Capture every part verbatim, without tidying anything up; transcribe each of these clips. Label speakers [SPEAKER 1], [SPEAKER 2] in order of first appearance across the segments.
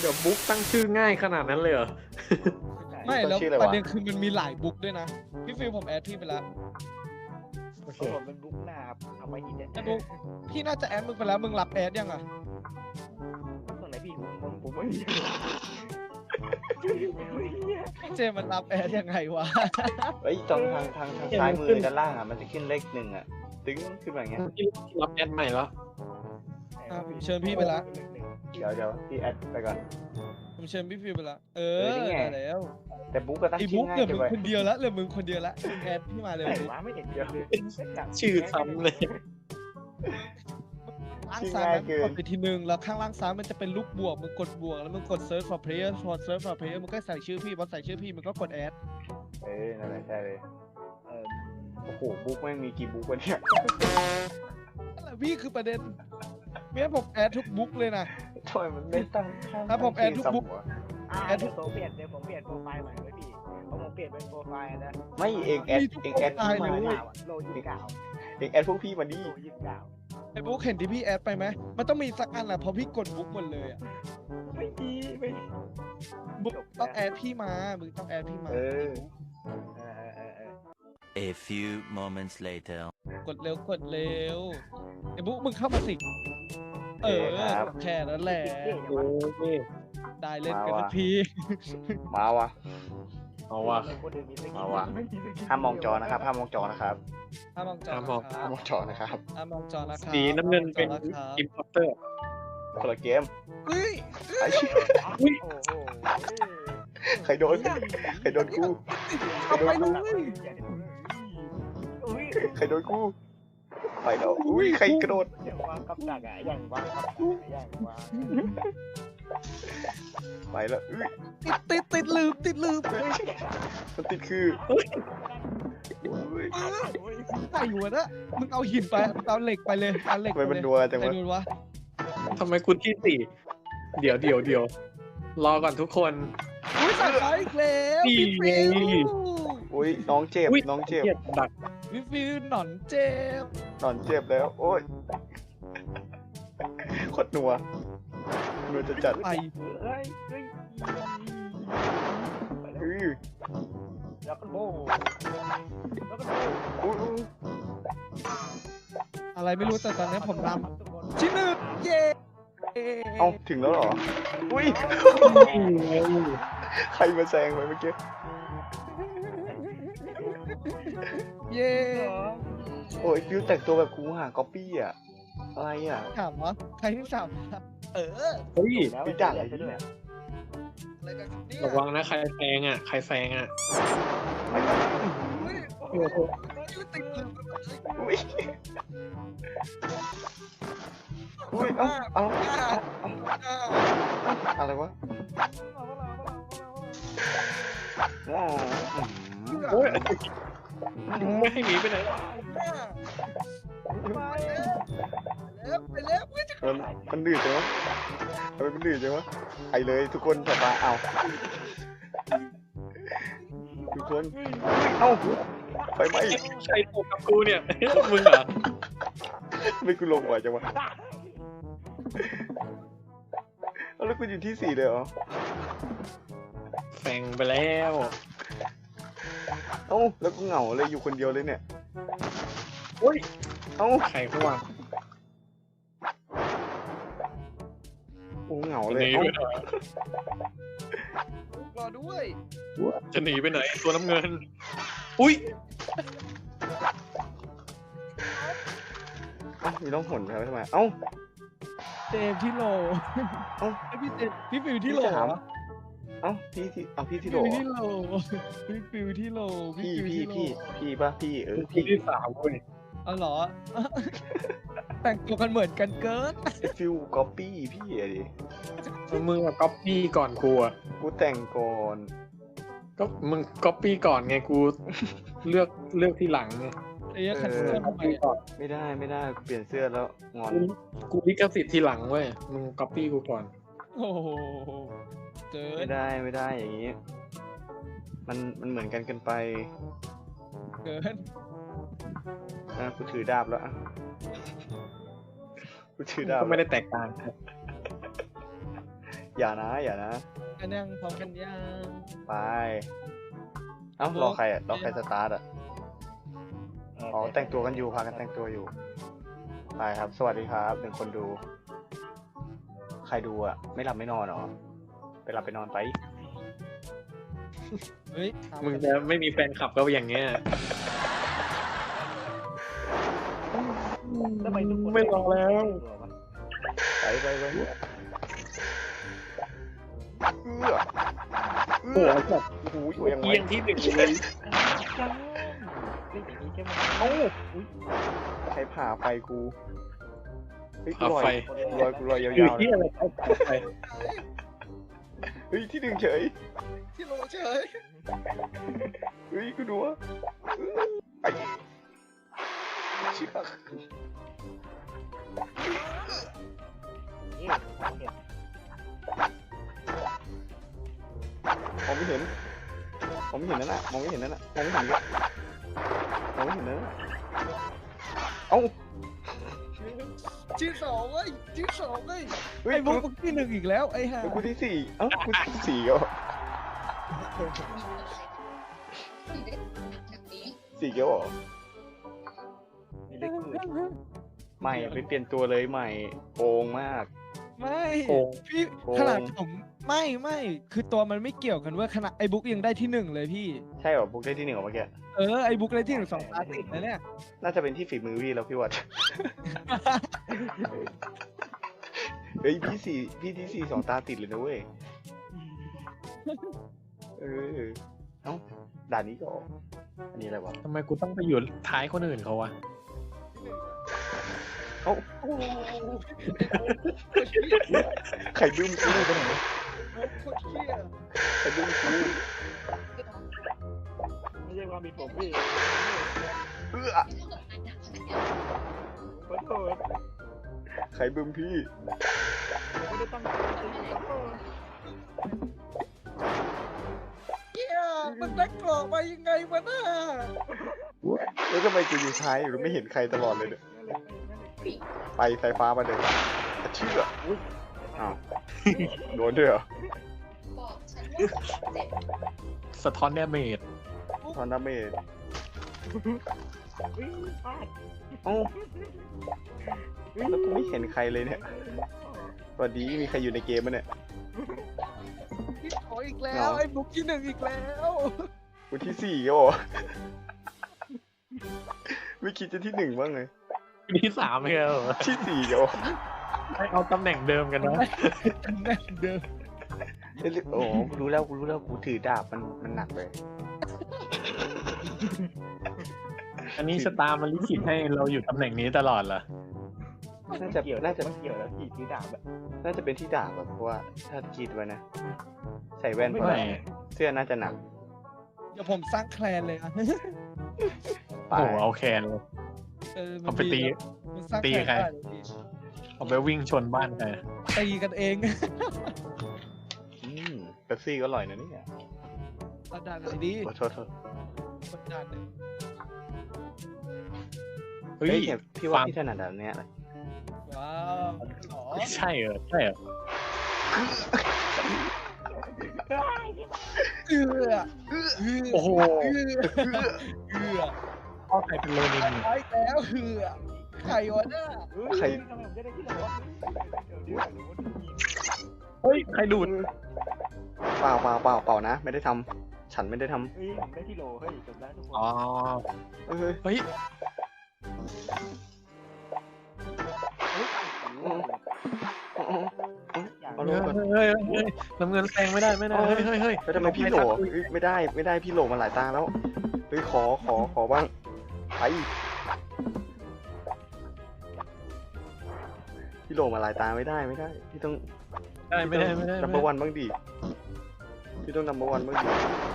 [SPEAKER 1] ดี๋ยวบุ๊กตั้งชื่อง่ายขนาดนั้นเลยเหรอ
[SPEAKER 2] ไม่แล้ว
[SPEAKER 3] ชื่ออะไร
[SPEAKER 2] ประ
[SPEAKER 3] วะ
[SPEAKER 2] เด็นคือมันมีหลายบุ๊กด้วยนะพี่ฟิลผมแอดพี่ไปแล้ว
[SPEAKER 1] โอเค
[SPEAKER 4] ผมเป็นบุ๊กหน้าครับเอาไปหินเนี่ย
[SPEAKER 2] ไอ้บุ๊กพี่น่าจะแอดมึงไปแล้วมึงรับแอดยังอ่ะ
[SPEAKER 4] ตรงไหนพี่ผมผมผมไม่มี
[SPEAKER 2] เจมันรับแอดยังไงวะ
[SPEAKER 3] เฮ้ยตรงทางทางทางซ้ายมือด้านล่างอ่ะมันจะขึ้นเลขหนึ่งอ่ะตึ้งขึ้นมาอย่างเงี้ย
[SPEAKER 1] ที่รับแอดใหม่แล้ว
[SPEAKER 2] อ่ะผมเชิญพี่ไปละ
[SPEAKER 3] เดี๋ยวเดี๋ยวพี่แอดไปก่อน
[SPEAKER 2] ผมเชิญพี่ฟิลไปละเอ
[SPEAKER 3] เอ
[SPEAKER 2] อ
[SPEAKER 3] อนี่ไง
[SPEAKER 2] ได้แล้ว
[SPEAKER 3] แต่บุ๊กก็ตั้ง
[SPEAKER 2] ไอ้
[SPEAKER 3] ชื่
[SPEAKER 2] บุ๊
[SPEAKER 3] อก ง่าย
[SPEAKER 2] เหลือ
[SPEAKER 3] จั
[SPEAKER 2] มึ
[SPEAKER 3] ง
[SPEAKER 2] ง
[SPEAKER 3] เลย
[SPEAKER 2] คนเดียวละเหลือมึงคนเดียวละมึงแอดพี่มาเลย
[SPEAKER 4] แต่
[SPEAKER 2] บุ๊ก
[SPEAKER 4] ว่าไม่เห็นเดียวเลย
[SPEAKER 1] ชื่อซ้ำเลย
[SPEAKER 2] ล่างซ้ายมันกดไปทีนึงแล้วข้างล่างซ้ายมันจะเป็นรูปบวกมึงกดบวกแล้วมึงกด search for player พอ search for player มึงก็ใส่ชื่อพี่พอใส่ชื่อพี่มึงก็กดแอด
[SPEAKER 3] เออนั่นแหละใช่เลย
[SPEAKER 4] เออ
[SPEAKER 3] โอ้โหบุ๊กแม่งมีกี่บุ๊กวะเนี่ย
[SPEAKER 2] นั่นแหละพี่คือประเด็นเมียผมแอดทุกบุ๊กเลยนะ
[SPEAKER 3] ทำไมมันไม่ตั้ง
[SPEAKER 2] ถ้าผมแอดทุกบุ๊ก
[SPEAKER 4] อ่าเดี๋ยวผมเปลี่ยนเดี๋ยวผมเปลี่ยนโปรไฟล์ใหม่ไว้พี่เพราะผมเปลี่ยนเป็นโปรไฟล์นะ
[SPEAKER 3] ไม่เองแอดเองแอดพี่มาดิ
[SPEAKER 4] โลยี่สิบเก้า
[SPEAKER 3] เองแอดพวกพี่มาดิ
[SPEAKER 4] โลยี่สิบเก้า
[SPEAKER 2] ไอ้บุ๊กเห็นที่พี่แอดไปไหมมันต้องมีสักอันแหละเพราะพี่กดบุ๊กหมดเลยอ่ะ
[SPEAKER 4] ไม่ดีไม่
[SPEAKER 2] บุ๊กต้องแอดพี่มามึงต้องแอดพี่มา
[SPEAKER 3] เออ
[SPEAKER 4] เออเออเออ
[SPEAKER 5] A few moments later.
[SPEAKER 2] กดเร็วกดเร็วไอ้บุ๊กมึงเข้ามาสิเออแค่นั้นแหละ
[SPEAKER 1] โอ้ย
[SPEAKER 2] ได้เล่นกันสักที
[SPEAKER 3] มาวะ
[SPEAKER 1] เอาว่ะ
[SPEAKER 3] เอาว่ะ ห้ามมองจอนะครับห้ามมองจอนะครับ
[SPEAKER 2] ห้ามมองจอ
[SPEAKER 1] ห้ามมอง
[SPEAKER 2] นะค
[SPEAKER 3] ห้า
[SPEAKER 2] รั
[SPEAKER 3] ม
[SPEAKER 2] บ
[SPEAKER 3] มองจอนะครับ
[SPEAKER 2] ห้ามมองจอนะครับ
[SPEAKER 1] สีน้ำเงินเป็น
[SPEAKER 2] ห้ามมองจอนะครับ
[SPEAKER 1] อิมพอร์เตอร์
[SPEAKER 3] คนละเกม
[SPEAKER 2] เฮ้ย
[SPEAKER 3] ไอ้
[SPEAKER 4] โอ้โห
[SPEAKER 3] ใครโดนใครโดนกู
[SPEAKER 2] เอาไปเลย
[SPEAKER 4] อุ้ย
[SPEAKER 3] ใครโดนกูไปแล้วอุ้ยใครกระโดด
[SPEAKER 4] อย่างวางกับดักอ่ะอย่างวางกับดักอย่างวาง
[SPEAKER 3] ไปแล้วอุ้ย
[SPEAKER 2] ติดติดติดลืมติดลืม
[SPEAKER 3] มันติดคืออุ้ย
[SPEAKER 2] ใส่หัวนะมึงเอาหินไปมึงเอาเหล็กไปเลยเอาเหล็ก
[SPEAKER 3] ทำไม
[SPEAKER 2] ไป
[SPEAKER 3] มัน
[SPEAKER 2] เลย
[SPEAKER 3] ดัวจัง
[SPEAKER 2] ไอ้
[SPEAKER 3] วะ
[SPEAKER 2] ดูวะ
[SPEAKER 1] ทำไมคุณที่สี่เดี๋ยวเดี๋ยวเดี๋ยวรอก่อนทุกคน
[SPEAKER 2] อุ้ยใส่ไฟอีกแล้ว
[SPEAKER 1] นี่
[SPEAKER 2] พี่ฟิว
[SPEAKER 1] ไง
[SPEAKER 3] อุ้ยน้องเจ็บ
[SPEAKER 1] อุ๊ย
[SPEAKER 3] น้องเจ็บ
[SPEAKER 1] เกียดดัก
[SPEAKER 2] พี่ฟิวหนอนเจ็บ
[SPEAKER 3] นอนเจ็บแล้วโอ้ยโคตรนัวนัวจะจัด
[SPEAKER 2] ไป
[SPEAKER 4] เฮ้ยเฮ้ยไปแล้ว
[SPEAKER 3] อุ้ย
[SPEAKER 4] แล้วก็โบแล้วก็โบ
[SPEAKER 3] อุ้ยอุ้ย
[SPEAKER 2] อะไรไม่รู้แต่ตอนนี้ผมน
[SPEAKER 4] ทุกคน
[SPEAKER 2] ำชิ้นหนึ่งเย้
[SPEAKER 3] เอ้าถึงแล้วเหรออุ้ยใครมาแซงไปเมื่อกี้
[SPEAKER 2] เย้
[SPEAKER 3] โอ้ยฟิวแต่งตัวแบบกูหาก๊อปปี้อะอะไรอะ
[SPEAKER 2] ถามวะใครที่ถามวะเออ
[SPEAKER 1] เฮ้ย
[SPEAKER 4] แล้ว
[SPEAKER 3] พี่ด่าอะไร
[SPEAKER 4] ด้
[SPEAKER 3] เนี่
[SPEAKER 4] วย
[SPEAKER 3] ย
[SPEAKER 2] อะไรกันเนี่ย
[SPEAKER 1] ระวังนะใครแซงอ่ะใครแซงอ่ะ
[SPEAKER 2] เฮ้ย
[SPEAKER 1] โอ้โห
[SPEAKER 2] ติดเลย
[SPEAKER 3] อุ้ยอุ้ยเอ้าเอ้าอะไรวะว้าว
[SPEAKER 1] โอ้ยไม่ให้หนีไปไหน
[SPEAKER 2] แล้วไปแล้วไปจะ
[SPEAKER 3] มันมันดื้อจังวะทำไมมันดื้อจังวะไปเลยทุกคนสบายเอาทุกคนเอ้าไปไหม
[SPEAKER 1] ใครตกกับกูเนี่ย มึงเหรอ
[SPEAKER 3] ไม่กูลงไหวจังวะเอาแล้วกูอยู่ที่สี่เลยเหรอ
[SPEAKER 1] แซงไปแล้ว
[SPEAKER 3] เอ้าแล้วกูเหงาเลยอยู่คนเดียวเลยเนี่ย
[SPEAKER 1] โอ้ย
[SPEAKER 3] เอ้า
[SPEAKER 1] ใครเขาวาง
[SPEAKER 3] กูเหงา
[SPEAKER 1] จะ
[SPEAKER 3] เล
[SPEAKER 1] ห
[SPEAKER 3] ย
[SPEAKER 1] นี
[SPEAKER 3] เอ้า
[SPEAKER 1] ไปไหน
[SPEAKER 2] รอด้วย
[SPEAKER 1] จะหนีไปไหนตัวน้ำเงิน อุ้ย
[SPEAKER 3] เอ้ามีน้องหนครับทำไมเอ้า
[SPEAKER 2] เจมที่โล
[SPEAKER 3] เอ้า
[SPEAKER 2] ไอพี่เจมพี่ฟิวที่โล
[SPEAKER 3] พี่ถาม เอ้าพี่ที่เอาพี่ที่โหล
[SPEAKER 2] ฟิว
[SPEAKER 3] เหรอ
[SPEAKER 2] ที่โลพี่ฟิวที่โล
[SPEAKER 3] พี่
[SPEAKER 2] ฟิว
[SPEAKER 3] พี่
[SPEAKER 2] ที่โล
[SPEAKER 3] พี่พี่ป่ะพี่เออ
[SPEAKER 1] ที่
[SPEAKER 3] พี่
[SPEAKER 1] ที่สามเว้ย
[SPEAKER 2] อ๋อเหรอ แต่งตัวกันเหมือนกันเกิน
[SPEAKER 3] ฟิวก๊อปปี้พี่อะดิ
[SPEAKER 1] มึงอะก๊อปปี้ก่อนกูอะ
[SPEAKER 3] กูแต่งก่อน
[SPEAKER 1] ก็มึงก๊อปปี้ก่อนไงกูเลือกเลือกที่หลังไง
[SPEAKER 2] ไอ้ขันเสื้อทำไมอะ
[SPEAKER 3] ไม่ได้ไม่ได้กูเปลี่ยนเสื้อแล้วงอน
[SPEAKER 1] กูกูลิขสิทธิ์ทีหลังเว้ยมึงก๊อปปี้กูก่อน
[SPEAKER 2] โอ้โหเกิ
[SPEAKER 3] ไม่
[SPEAKER 2] น
[SPEAKER 3] ได้ไม่ได้อย่างนี้ มันมันเหมือนกันเกินไป
[SPEAKER 2] เกิน
[SPEAKER 3] นะกูถือดาบแล้วอะกูถือดาบ
[SPEAKER 1] ก็ไม่ได้แตกต่าง
[SPEAKER 3] ยอย่านะอย่านะ
[SPEAKER 2] กันยังพร้อมกันยัง
[SPEAKER 3] ไปเอ้ารอใครอ่ะรอใครสตาร์ทอ่ะอ๋อแต่งตัวกันอยู่พากันแต่งตัวอยู่ไปครับ สวัสดีครับหนึ่งคนดู ใครดูอ่ะไม่หลับไม่นอนหรอไปหลับไปนอนไป
[SPEAKER 2] เฮ้ย
[SPEAKER 1] มึงจะไม่มีแฟนคลับก็อย่างเงี้ย
[SPEAKER 4] ทำไมทุกคน
[SPEAKER 1] ไม่รอแล้ว
[SPEAKER 3] ไปไปไปเอื้อ
[SPEAKER 1] โอ้โหแบบ
[SPEAKER 3] โอ้โหอยู่ยังไง
[SPEAKER 1] เอียงที่หนึ่งเลย
[SPEAKER 4] จังเล่นอย่างนี้ใช่ไหม
[SPEAKER 3] เอ้าใครผ่าไฟกูเฮ้ยกู
[SPEAKER 1] เอา
[SPEAKER 3] ลอย
[SPEAKER 1] ไฟ
[SPEAKER 3] กูลอยกูลอยยา
[SPEAKER 1] อยู่
[SPEAKER 3] วๆเล
[SPEAKER 1] ที่
[SPEAKER 3] ย
[SPEAKER 1] อะไรเอาไฟ
[SPEAKER 3] เฮ้ยที่หนึ่งเฉย
[SPEAKER 2] ที่โลเฉย
[SPEAKER 3] เฮ้ยกูดูว่าไปเชือก
[SPEAKER 4] นี่เนี่ย
[SPEAKER 3] มองไม่เห็นมองไม่เห็นนั่นน่ะมองไม่เห็นนั่นน่ะมองไม่เห็นเลยมองไม่เห็นนั่นน่ะเอ้า
[SPEAKER 2] ชื่อสองเว้ยชื่อสองเว้ย
[SPEAKER 3] เฮ้ย
[SPEAKER 2] ไอ้
[SPEAKER 3] กู
[SPEAKER 2] บุ๊กที่หนึ่งอีกแล้วไอ้ห่า
[SPEAKER 3] กูที่สี่เอ้ากูที่สี่ก็สี่เกี้ยวเหรอ
[SPEAKER 4] มีเล็กมือ
[SPEAKER 3] ใหม่ไปเปลี่ยนตัวเลยใหม่โกงมาก
[SPEAKER 2] ไม่
[SPEAKER 1] โกง
[SPEAKER 2] พี่
[SPEAKER 3] โกง
[SPEAKER 2] ขนาดผมไม่ไม่คือตัวมันไม่เกี่ยวกันเว้ยขนาดไอ้บุ๊กยังได้ที่หนึ่งเลยพี่
[SPEAKER 3] ใช่เหรอบุ๊กได้ที่หนึ่งเหรอเมื่อกี้
[SPEAKER 2] เออไอ้บุ๊กได้ที่หนึ่งสองตาติดนะเนี่ย
[SPEAKER 3] น่าจะเป็นที่ฝีมือพี่แล้วพี่วัด เฮ้ยพี่สี่พี่ที่สี่สองตาติดเลยนะเว้ย เออ เอ้าด่านนี้ก็ออกอันนี้อะไรวะ
[SPEAKER 1] ทำไมกูต้องไปอยู่ท้ายคนอื่นเขาวะ
[SPEAKER 3] เอ้าไข่บึ้มกูไปไหน
[SPEAKER 2] โคตรเหี้ย
[SPEAKER 3] ไข่บึ้มกู
[SPEAKER 4] ไม่ใช่ความผิดผมพี่
[SPEAKER 3] เอื้อ
[SPEAKER 4] ขอโทษ
[SPEAKER 3] ไข่บึ้มพี่
[SPEAKER 4] ไม่ได้ตั้งใจขอโทษ
[SPEAKER 2] เหี้ยมันได้กรอกมายังไงวะน่า
[SPEAKER 3] แล้วทำไมกูอยู่ท้ายหรือไม่เห็นใครตลอดเลยเนี่ยไปไฟฟ้ามาเลยเชื่ออ้าวโดนด้วยเหรอ
[SPEAKER 1] สะท้อนแดเมจ
[SPEAKER 3] ทอนดาเมจ
[SPEAKER 4] อุ๊ยพลาด
[SPEAKER 3] เอ้าแล้วกูไม่เห็นใครเลยเนี่ยสวัสดีมีใครอยู่ในเกมมั้ยเนี่ย
[SPEAKER 2] พี่ขออีกแล้วไอ้บุ๊กที่หนึ่งอีกแล้ว
[SPEAKER 3] กูที่สี่ก็บอกไม่คิดจะที่หนึ่งบ้างเลย
[SPEAKER 1] ที่สามไม่เหรอ
[SPEAKER 3] ที่สี่ก็บอก
[SPEAKER 1] ให้เอาตำแหน่งเดิมกันนะ
[SPEAKER 2] แน่นเดิม
[SPEAKER 3] เอ้ยโอ้กูรู้แล้วกูรู้แล้วกูถือดาบมันมันหนักเลย
[SPEAKER 1] อันนี้ชะตามันลิขิตให้เราอยู่ตำแหน่งนี้ตลอดเหรอ
[SPEAKER 3] น่าจะ
[SPEAKER 4] เกี่ยว
[SPEAKER 3] น่าจะ
[SPEAKER 4] มันเกี่ยวแล้วพี่ถือดาบอะ
[SPEAKER 3] น่าจะเป็นที่ดาบแบบเพราะว่าถ้าคิดไว้นะ ใส่แว่นเพราะ
[SPEAKER 1] ไม่
[SPEAKER 3] เสื้อน่าจะหนัก
[SPEAKER 2] เดี๋ยวผมสร้างแคลนเลยอะ
[SPEAKER 3] ไป
[SPEAKER 1] โอ้โหเอาแคนเลย
[SPEAKER 2] เออมัน
[SPEAKER 1] เอาไปตี
[SPEAKER 2] ดีนะมันสร้าง
[SPEAKER 1] ตี
[SPEAKER 2] แคลน
[SPEAKER 1] ใคร
[SPEAKER 2] ได้เลยพี่
[SPEAKER 1] เอาไปวิ่งชนบ้านใคร
[SPEAKER 2] ตีกันเอง
[SPEAKER 3] อืมเป๊ปซี่ก็อร่อยนะเนี่ย
[SPEAKER 2] ระดับไหนดี
[SPEAKER 3] ขอโทษโทษ
[SPEAKER 2] กดดันเลย
[SPEAKER 1] เฮ้ย
[SPEAKER 3] เฮ้ยเนี่ยพี่ว่า
[SPEAKER 1] ฟัง
[SPEAKER 3] พี่ถนัดแบบเนี้ยแหละ
[SPEAKER 2] ว้าวหรอ
[SPEAKER 1] ใช่เหรอใช่เหรอ
[SPEAKER 2] เอือเอือ
[SPEAKER 1] โอ้โห
[SPEAKER 2] เอือเอือ
[SPEAKER 1] พ่อใครเป็นโลนินเนี่ย
[SPEAKER 2] ไปแล้วเอือไข่วะน่า
[SPEAKER 4] เฮ้ย
[SPEAKER 3] ใคร
[SPEAKER 4] ทำไมผมจะได้ที่หลังวะเดี๋ยวเดี๋ยวเดี๋ยวเดี๋ยว
[SPEAKER 1] เฮ้ยใครดูด
[SPEAKER 3] เปล่าเปล่าเปล่าเปล่านะ ไม่ได้ทำฉันไม่ได้ทำ
[SPEAKER 4] เฮ้ยผมได้ที่โหลเฮ้ยจบแล้วทุกคน
[SPEAKER 1] อ๋อ
[SPEAKER 3] เอ้ย
[SPEAKER 1] เฮ้ย
[SPEAKER 4] อย่าง
[SPEAKER 3] เอาล
[SPEAKER 1] เฮ้
[SPEAKER 3] ง
[SPEAKER 1] ย
[SPEAKER 3] ก่อน
[SPEAKER 1] เฮ้ยเฮ้ยน้ำเงินแซงไม่ได้ไม่ได้เฮ้ยเฮ้ยเฮ้ย
[SPEAKER 3] แล้วทำไมพี่โหลเอ้ยไม่ได้ไม่ได้พี่โหลมาหลายตาแล้วเฮ้ยขอขอขอบ้างไปพี่โหลมาหลายตาไม่ได้ไม่ได้พี่ต้อง
[SPEAKER 1] ได้ไม่ได้ไม่ได้
[SPEAKER 3] นัมเบอร์วันบ้างดิพี่ต้องนัมเบอร์วันบ้างดิ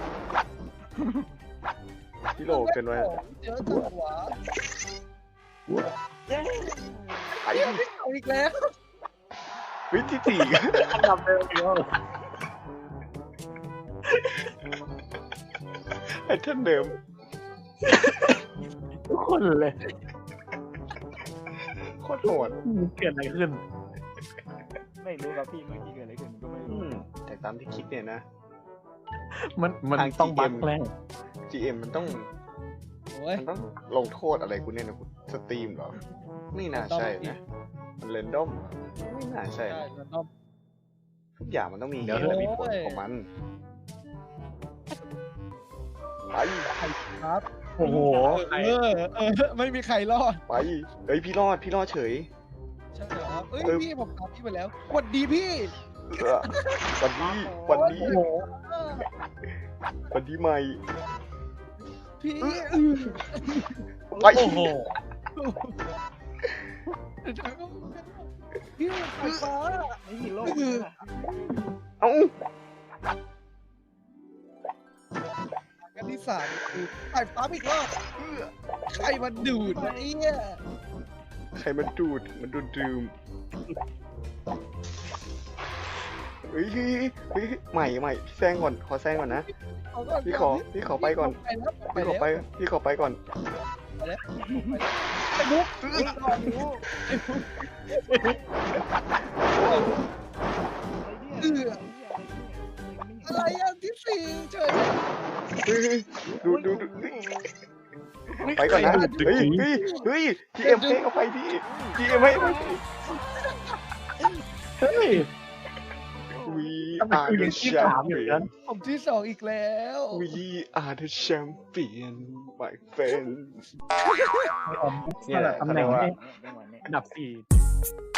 [SPEAKER 3] พี่โหลเกินไว้
[SPEAKER 2] เจอจังหวะ
[SPEAKER 4] เย้
[SPEAKER 3] ไป
[SPEAKER 2] เอาอีกแล้ว
[SPEAKER 3] วิธีสี่
[SPEAKER 1] อันดับเดิมอีกแล้ว
[SPEAKER 3] ไอ้ท่านเดิม
[SPEAKER 1] ทุกคนเลย
[SPEAKER 3] โคตรโหด
[SPEAKER 1] เกิดอะไรขึ้น
[SPEAKER 4] ไม่รู้ครับพี่เมื่อกี้เกิดอะไรขึ้นก็ไม่รู้
[SPEAKER 3] จากตามที่คิดเนี่ยนะ
[SPEAKER 1] มันมัน
[SPEAKER 3] ทาง
[SPEAKER 1] ต้อง
[SPEAKER 3] จี
[SPEAKER 1] บั
[SPEAKER 3] เอ็
[SPEAKER 1] ก
[SPEAKER 3] ม
[SPEAKER 1] แรก
[SPEAKER 3] จี เอ็ม มันต้อง
[SPEAKER 2] โอ้ย
[SPEAKER 3] มันต้องลงโทษอะไรกูเนี่ยนะกูสตรีมเหรอ ไม่น่าใช่นะ มันเรนดอมไม่น่าใช่
[SPEAKER 2] ใช่
[SPEAKER 3] นะ
[SPEAKER 2] มันต้อง
[SPEAKER 3] ทุกอย่างมันต้องมีเห
[SPEAKER 1] เดี๋ยว
[SPEAKER 3] ตุและมีผล
[SPEAKER 2] โอ้ย
[SPEAKER 3] ของมันไป
[SPEAKER 2] ครับ
[SPEAKER 1] โอ้โห
[SPEAKER 2] เออเออไม่มีใครรอด
[SPEAKER 3] ไปเฮ้ยพี่รอดพี่รอดเฉย
[SPEAKER 2] ใช่เหรอเอ้ย
[SPEAKER 3] เออ
[SPEAKER 2] พี่ผมตามพี่ไปแล้วสวัสดีพี่
[SPEAKER 3] เออวันนี้วันนี้
[SPEAKER 2] โอ้โห
[SPEAKER 3] วันนี้ใหม่
[SPEAKER 2] พี่
[SPEAKER 3] ไป
[SPEAKER 1] โอ้โห
[SPEAKER 2] พี่ไฟฟ้า
[SPEAKER 4] ไม่มีโลกเลยนะ
[SPEAKER 3] เอ้า
[SPEAKER 2] กันที่สามคือไฟฟ้าอีกรอบใครมันดูดวะเนี่ย
[SPEAKER 3] ใครมันดูดมันดูดดื่มเฮ้ยเฮ้ยเฮ้ยใหม่ใหม่พี่แซงก่อนขอแซงก่อนนะ
[SPEAKER 2] เอาก่อน
[SPEAKER 3] พี่ขอพี่ขอไปก่อน
[SPEAKER 2] ไปแล้วไป
[SPEAKER 3] พี่ขอ
[SPEAKER 2] แล้ว
[SPEAKER 3] ไปพี่ขอไปก่อน
[SPEAKER 2] ไอ้มุก
[SPEAKER 4] ไอ้เนี่ย
[SPEAKER 2] อะไรอ่ะที่สี่เฉย
[SPEAKER 3] เฮ้ยเฮ้ยดูดูดูเฮ้ยไปก่อนนะเฮ้ยเฮ้ยเฮ้ยจีเอ็มให้เอาไปพี่จีเอ็มให้เอาไปพี่
[SPEAKER 1] เฮ้ย
[SPEAKER 3] We
[SPEAKER 1] ทำไม
[SPEAKER 3] are
[SPEAKER 1] กู
[SPEAKER 3] the
[SPEAKER 1] ยังที่สามอยู่นั้น
[SPEAKER 3] champion
[SPEAKER 2] ผมที่สองอีกแล้ว
[SPEAKER 3] We are the champion my friend
[SPEAKER 1] สลับตำแหน่งให้
[SPEAKER 4] ไม่ไหวไม่
[SPEAKER 1] อันดับสี่